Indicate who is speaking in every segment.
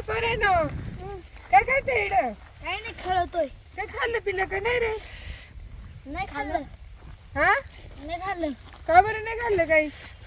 Speaker 1: बरं ना काय करते इड
Speaker 2: काय नाही खेळतोय.
Speaker 1: काय खाल्लं पिल्लं का नाही रे?
Speaker 2: नाही खाल्लं.
Speaker 1: हा
Speaker 2: नाही खाल्लं.
Speaker 1: का बरं नाही खाल्लं काही?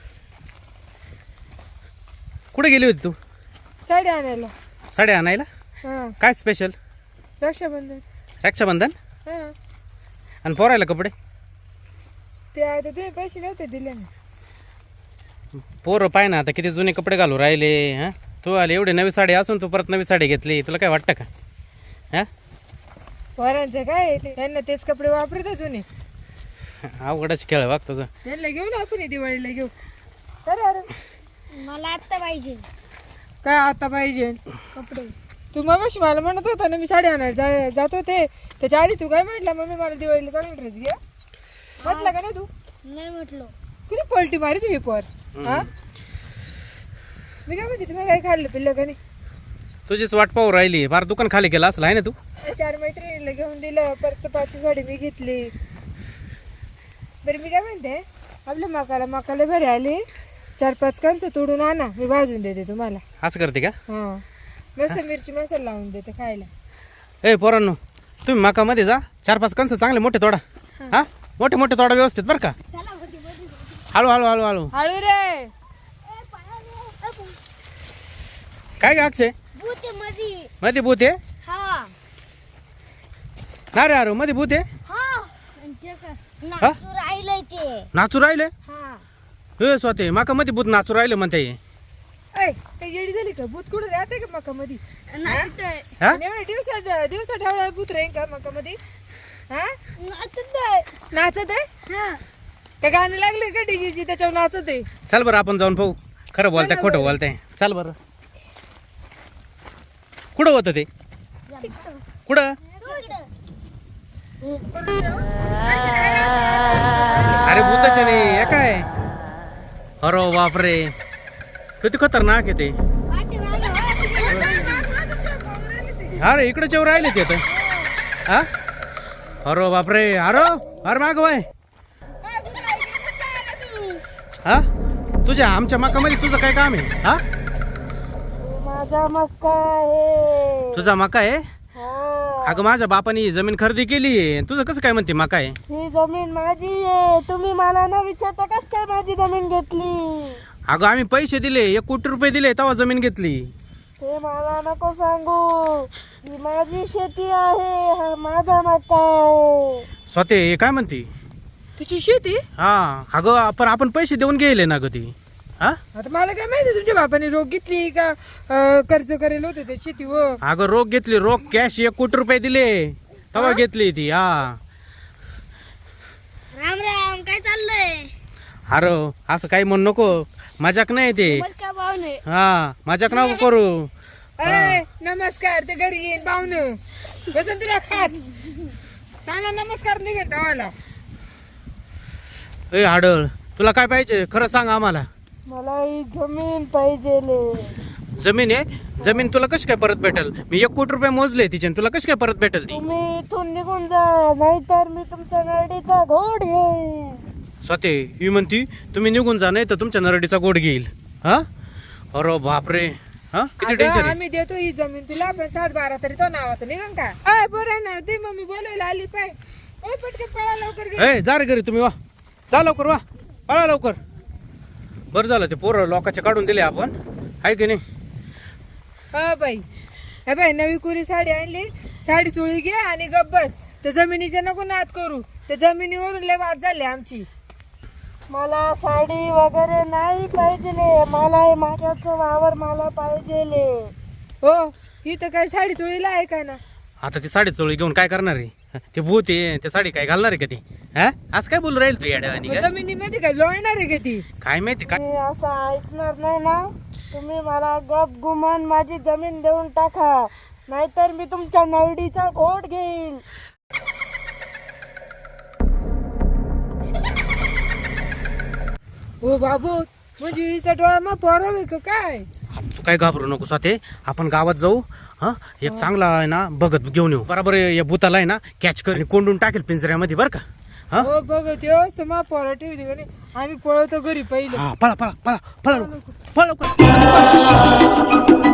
Speaker 3: कुठे गेली होती तू?
Speaker 1: साडी आणायला.
Speaker 3: साड्या आणायला?
Speaker 1: हा
Speaker 3: काय स्पेशल?
Speaker 1: रक्षाबंधन.
Speaker 3: रक्षाबंधन?
Speaker 1: हा
Speaker 3: आणि पोरायला कपडे?
Speaker 1: ते आता तुम्ही पैसे नव्हते दिले ना.
Speaker 3: पोरं पाय ना आता किती जुने कपडे घालू राहिले. हां तू आले एवढी नवी साडी असून तू परत नवी साडी घेतली, तुला काय वाटतं का? हां
Speaker 1: पोरांचं काय आहे ते, त्यांना तेच कपडे वापरत जुने.
Speaker 3: अवघडच खेळ बघ तुझं.
Speaker 1: त्यांना घेऊ ना आपण दिवाळीला घेऊ. अरे अरे
Speaker 2: मला आत्ता पाहिजे
Speaker 1: काय आता पाहिजे
Speaker 2: कपडे.
Speaker 1: तू मगाशी मला म्हणत होता ना मी साडी आणायला जात होते, त्याच्या आधी तू काय म्हटलं मम्मी मला दिवाळीला चांगला ड्रेस घे म्हटलं का नाही तू?
Speaker 2: नाही म्हटलो.
Speaker 1: तुझी पलटी मारी तुम्ही पोर. हा मी काय म्हणते तुम्ही काय खाल्लं पिल्लं का नाही?
Speaker 3: तुझीच वाट पाहू राहिली. फार दुकान खाली केलं असलं आहे ना तू?
Speaker 1: 4 मैत्रिणीला घेऊन दिलं, परत 5 साडी मी घेतली. बरं मी काय म्हणते, आपल्या मकाला बरे आले 4-5 कणसं तोडून आणा, मी भाजून देते तुम्हाला.
Speaker 3: असं करते का?
Speaker 1: हा मस्त मिरची मसाला लावून देते खायला.
Speaker 3: ए पोरांनो, तुम्ही मकामध्ये जा, 4-5 कंस चांगले मोठे तोडा. हा मोठे मोठे तोडा व्यवस्थित बरं का. हळू हळू हळू हळू.
Speaker 1: हळू रे.
Speaker 3: काय ग अक्षय?
Speaker 2: भूते मधी.
Speaker 3: मध्ये भूत आहे
Speaker 2: हा
Speaker 3: ना रे? अरे मध्ये भूत आहे.
Speaker 2: हा. आणि ते काय नाचू राहिलंय ते.
Speaker 3: नाचू राहिले?
Speaker 2: हा
Speaker 3: हे स्वतः माका मध्ये भूत नाचू राहिले म्हणते.
Speaker 1: ऐ काय येडी झाली का? भूत कुठं राहते का मकामध्ये?
Speaker 2: नाचतोय.
Speaker 3: हा
Speaker 1: एवढ्या दिवसा ठेवला भूत राहील का मकामध्ये? हा
Speaker 2: नाचतोय.
Speaker 1: नाचत आहे
Speaker 2: हा
Speaker 1: काय? गाणं लागले का डीजेची त्याच्यावर नाचत आहे?
Speaker 3: चल बरं आपण जाऊन पाहू खरं बोलताय खोटं बोलताय. चल बरं. कुठं होतं ते? कुठं? अरे भूताचे नाही हे काय? अरे बापरे किती खतरनाक आहे ते. अरे इकडे चेवर राहिले ते तर. हा अरे बापरे. अरे माग वय. हा तुझ्या आमच्या मकामध्ये तुझं काय काम आहे? हा
Speaker 1: माझा मक्का आहे.
Speaker 3: तुझा मका आहे?
Speaker 1: हा
Speaker 3: अगं माझ्या बापाने ही जमीन खरेदी केली आहे. तुझं कसं काय म्हणते मका आहे?
Speaker 1: ही जमीन माझी आहे. तुम्ही मला न विचारता कस काय माझी जमीन घेतली?
Speaker 3: अगं आम्ही पैसे दिले, 1 कोटी रुपये दिले तेव्हा जमीन घेतली.
Speaker 1: ते मला नको सांगू. ही माझी शेती आहे, हा माझा मक्का आहे.
Speaker 3: स्वतः हे काय म्हणते?
Speaker 1: तुझी शेती?
Speaker 3: हा अगं पण आपण पैसे देऊन गेले ना ग ती. हा
Speaker 1: आता मला काय माहिती तुमच्या बापाने रोग घेतली का कर्ज करेल होते ते शेतीवर?
Speaker 3: अगं रोख घेतली, रोख कॅश 1 कोटी रुपये दिले तेव्हा घेतली ती. हा
Speaker 2: राम राम. काय चाललंय?
Speaker 3: अरे असं काही म्हणू नको, मजाक नाही ते.
Speaker 2: का पाहुणे?
Speaker 3: हा मजाक नको करू.
Speaker 1: अरे नमस्कार. ते घरी येईन पाहुणं बसन तुला खात चांगला नमस्कार निघत आम्हाला.
Speaker 3: ए हाडळ तुला काय पाहिजे खरं सांग आम्हाला.
Speaker 1: मला ही जमीन पाहिजे.
Speaker 3: जमीन आहे? जमीन तुला कशी काय परत भेटल? मी 1 कोटी रुपये मोजले तिचे, तुला कशी काय परत भेटल ती?
Speaker 1: तुम्ही इथून निघून जा, नाहीतर मी तुमच्या नरडीचा घोड घेईन.
Speaker 3: स्वतः ही म्हणती तुम्ही निघून जा नाही तर तुमच्या नरडीचा गोड घेईल. हा अरे बापरे. हा किती
Speaker 1: अगं,
Speaker 3: टेन्शन आहे.
Speaker 1: आम्ही देतो ही जमीन तुला, पण 7-12 तरी तो नावाचं निघन का? अय बरं ना ती मम्मी बोलायला आली पाय. ओय पटकन पळा लवकर घे.
Speaker 3: ए जा रे घरी तुम्ही वा. जा लवकर वा, पळा लवकर. बरं झालं ते पोरं लोकांचे काढून दिले आपण, आहे की नाही?
Speaker 1: हा बाई. हे बाई नवी कुरी साडी आणली, साडी चोळी घे आणि गप बस. त्या जमिनीच्या नको नाद करू, त्या जमिनीवरून लय वाद झाले आमची. मला साडी वगैरे नाही पाहिजे, मला माझ्याचं वावर मला पाहिजे. हो ही तर काय साडी चोळीला आहे का ना?
Speaker 3: आता ती साडी चोळी घेऊन काय करणार आहे? ते भूत आहे, ते साडी काय घालणार आहे का ती? हा आज काय बोलू राहील तू येड्यावानी का?
Speaker 1: जमिनीमध्ये काय लोळणार आहे का ती?
Speaker 3: काय माहिती काय.
Speaker 1: मी असं ऐकणार नाही ना. तुम्ही मला गप गुमान माझी जमीन देऊन टाका, नाहीतर मी तुमच्या नरडीचा घोट घेईल. हो बाबू म्हणजे हिचा डोळा मग पोरावे का काय?
Speaker 3: तू काय घाबरू नको स्वाते, आपण गावात जाऊ. हा एक चांगला आहे ना बघत घेऊन येऊ. बरोबर या भूताला आहे ना कॅच कर आणि कोंडून टाकेल पिंजऱ्यामध्ये बरं का. हा
Speaker 1: हो बघत यो समा पोरा ठेवली का नाही, आम्ही पळवतो घरी पहिले.
Speaker 3: पळा पळा पळा पळा लवकर, पळा लवकर.